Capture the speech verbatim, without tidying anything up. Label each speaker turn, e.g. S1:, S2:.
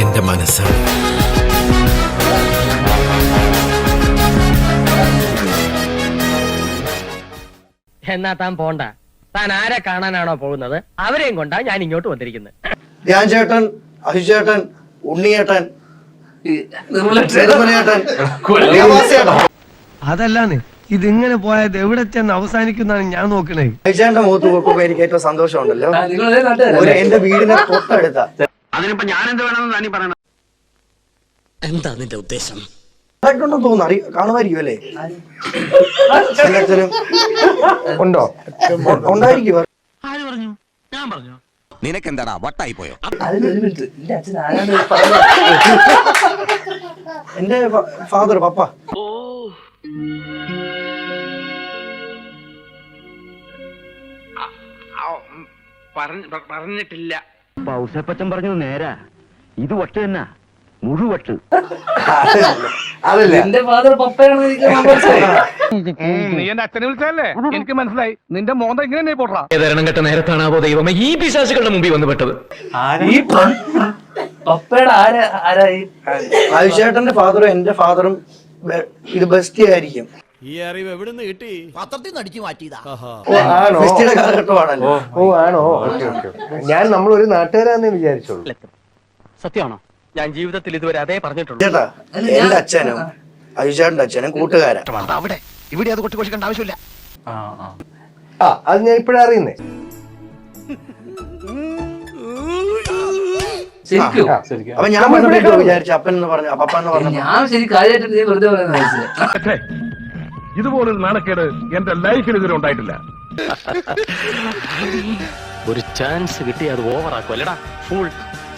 S1: എന്റെ മനസ്സാണ്.
S2: എന്നാ താൻ പോണ്ട. താൻ ആരെ കാണാനാണോ പോകുന്നത് അവരെയും കൊണ്ടാ ഞാൻ ഇങ്ങോട്ട് വന്നിരിക്കുന്നത്.
S3: ധ്യാൻ ചേട്ടൻ, അഹിഷ് ചേട്ടൻ, ഉണ്ണിയേട്ടൻ,
S4: അതല്ലാന്ന് ഇതിങ്ങനെ പോയത് എവിടെ ചെന്ന് അവസാനിക്കുന്നതാണ് ഞാൻ നോക്കണേ.
S3: അഹിഷേട്ടന്റെ മുഖത്ത് നോക്കുമ്പോ എനിക്ക് ഏറ്റവും സന്തോഷമുണ്ടല്ലോ. ഒരു എന്റെ വീടിനെ തൊട്ടടുത്ത
S5: അതിനിപ്പോ ഞാൻ എന്ത് വേണമെന്ന് താനീ പറയണം.
S1: എന്താ നിന്റെ ഉദ്ദേശം?
S3: ഉണ്ടെന്ന് തോന്നുന്നു, അറിയ കാണുമായിരിക്കും അല്ലേ? ഉണ്ടോ? ഉണ്ടായിരിക്കും.
S5: ആര് പറഞ്ഞു? ഞാൻ പറഞ്ഞു.
S1: നിനക്കെന്താടാ വട്ടായി പോയോ?
S3: എന്റെ ഫാദർ, പപ്പ.
S5: പറഞ്ഞിട്ടില്ല.
S2: ഔസേപ്പച്ചൻ പറഞ്ഞു നേരാ, ഇത് വട്ട് തന്നെ, മുഴുവട്ട്.
S3: അതല്ല,
S6: എന്റെ ഫാദർ പപ്പയാണെന്ന് എനിക്ക് മനസ്സിലായി.
S5: നീ എന്റെ അച്ഛനെ വിളിച്ചല്ലേ? എനിക്ക് മനസ്സിലായി. നിന്റെ മോന്ത ഇങ്ങനെ പോട്ടാ.
S1: ഏതരണം കെട്ട നേരത്താണാവോ ദൈവമേ ഈ പിശാചുകളുടെ മുമ്പിൽ വന്ന് പെട്ടത്.
S6: ഈ പപ്പയുടെ ആരാ ആരായി?
S3: അഹിഷേട്ടന്റെ ഫാദറും എന്റെ ഫാദറും ഇത് ബെസ്റ്റ് ആയിരിക്കും.
S7: ഈ അറിവ് എവിടുന്ന് കിട്ടി? പത്രത്തിൽ നിന്ന് അടിച്ചു മാറ്റിയതാ.
S3: ബെസ്റ്റിയുടെ കാലഘട്ടമാണല്ലോ.
S4: ഓ ആണോ? ഞാൻ നമ്മളൊരു നാട്ടുകാരാന്നേ വിചാരിച്ചോളൂ.
S2: സത്യമാണോ? ഞാൻ ജീവിതത്തിൽ ഇതുവരെ അതേ പറഞ്ഞിട്ടുള്ളൂ.
S3: ചേട്ടാ, എന്റെ അച്ഛനും അഹിഷേട്ടന്റെ അച്ഛനും കൂട്ടുകാരാ.
S1: അവിടെ ഇവിടെ അത് കൊട്ടിക്കൊഷിക്കേണ്ട ആവശ്യമില്ല.
S4: ആ അത് ഞാൻ ഇപ്പഴാ അറിയുന്നേ.
S6: ശരിക്കും
S3: അപ്പൊ ഞാൻ പറഞ്ഞിട്ട് വിചാരിച്ചു അപ്പൻ എന്ന് പറഞ്ഞു, പപ്പ എന്ന് പറഞ്ഞു.
S6: ഞാൻ ശരി കാര്യമായിട്ട് നീ വെറുതെ പറയുന്ന മനസ്സിലായി.
S5: ഇതുപോലൊരു നാണക്കേട് എന്റെ ലൈഫിൽ ഇതുവരെ ഉണ്ടായിട്ടില്ല.
S2: ഒരു ചാൻസ് കിട്ടി അത് ഓവറാക്കും അല്ലടാ ഫുൾ.